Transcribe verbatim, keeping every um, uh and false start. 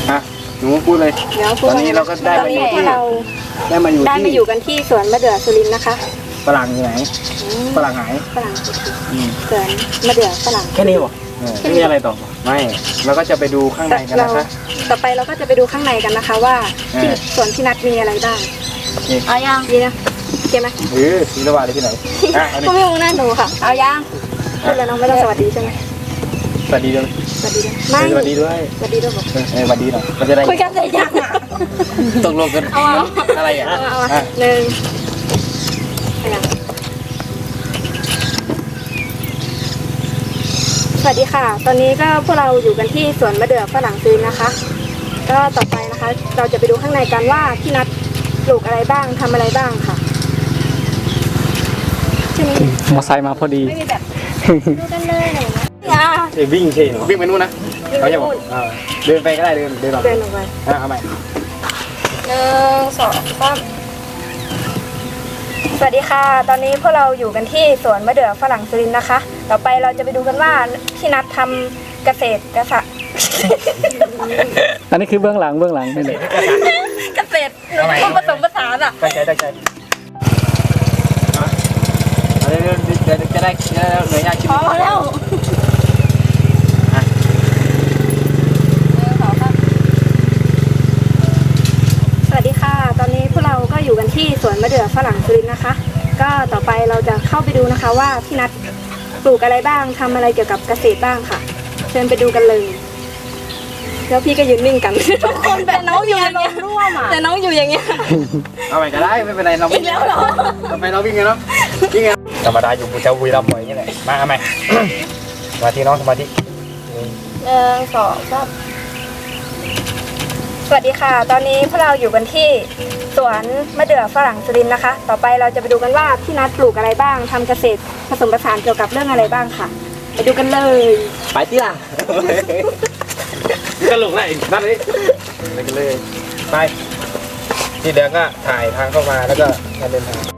ฮะหนูพูดเลยเดี๋ยวตอนนี้เราก็ได้ตอนมาอนี้ยู่พวที่กเราได้มาอยู่ได้มาที่อยู่กันที่สวนมะเดื่อสุรินทร์นะคะฝรั่งอยู่ไหนอืมฝรั่งหายฝรั่งอืมสวนมะเดื่อฝรั่งแค่นี้หรอไม่มีอะไรต่อไม่เราก็จะไปดูข้างในกันเรานะคะต่อไปเราก็จะไปดูข้างในกันนะคะ ว่าที่เออสวนพี่นัทมีอะไรบ้างนี่เอายังดีนะโอเคไหมเออมีระหว่างเลยที่ไหนอ่ะอันนี้ก็ไม่มองหน้าหนูค่ะเอายังพูดแล้วน้องไม่ต้องสวัสดีใช่ไหมสวัสดีด้วยสวัสดีด้วยไม่สวัสดีด้วยสวัสดีด้วยบอกเออเออสวัสดีหน่อยมันจะได้คุยกันเสร็จยังอ่ะตกลงกันเอาเอาอะไรอ่ะเอาเอาอ่ะหนึ่งเอายังสวัสดีค่ะ ตอนนี้ก็พวกเราอยู่กันที่สวนมะเดื่อฝรั่งซื้อนะคะ ก็ต่อไปนะคะ เราจะไปดูข้างในกันว่าพี่นัทปลูกอะไรบ้างทำอะไรบ้างค่ะใช่ไหมมอไซค์มาพอดีไม่มีแบบดูกันเลยหนูนะอย่าเอ้ยวิ่งเช่หนูวิ่งไปนู่นนะเขาจะบอกอ่าเดินไปก็ได้เดินเดินหลังเดินลงไปอ่ะเอาใหม่หนึ่งสองสามสวัสดีค่ะ ตอนนี้พวกเราอยู่กันที่สวนมะเดื่อฝรั่งสุรินทร์นะคะ ต่อไปเราจะไปดูกันว่าพี่นัททำเกษตรเกษตรอันนี้คือเบื้องหลังเบื้องหลังนี่แหละเกษตรหนูต้องผสมผสานอ่ะตั้งใจตั้งใจอ่ะเอาเดี๋ยวเดี๋ยวเดี๋ยวจะได้จะได้เหนื่อยยากชิ้นพอแล้วอ่ะสวัสดีค่ะ ตอนนี้พวกเราก็อยู่กันที่สวนมะเดื่อฝรั่งสุรินทร์นะคะ ก็ต่อไปเราจะเข้าไปดูนะคะว่าพี่นัทปลูกอะไรบ้างทำอะไรเกี่ยวกับเกษตรบ้างค่ะ เชิญไปดูกันเลย แล้วพี่ก็ยืนนิ่งกันทุกคนแต่น้องอยู่อย่างเงี้ยแต่น้องอยู่อย่างเงี้ยเอาใหม่ก็ได้ไม่เป็นไรเราวิ่งอีกแล้วเหรอทำไมเราวิ่งไงเนาะวิ่งไงธรรมดาอยู่กูจะวุยรับบ่อยอย่างนี้แหละมาเอาใหม่ สมาธิน้องสมาธิหนึ่งสองสามสวัสดีค่ะ ตอนนี้พวกเราอยู่กันที่สวนมะเดื่อฝรั่งสุรินทร์นะคะ ต่อไปเราจะไปดูกันว่าพี่นัทปลูกอะไรบ้างทำเกษตรผสมผสานเกี่ยวกับเรื่องอะไรบ้างค่ะ ไปดูกันเลยไปที่ล่ะก็ลงได้อีกนั่นเลยไปกันเลยไปที่เดี๋ยวก็ถ่ายทางเข้ามาแล้วก็มาเดินทาง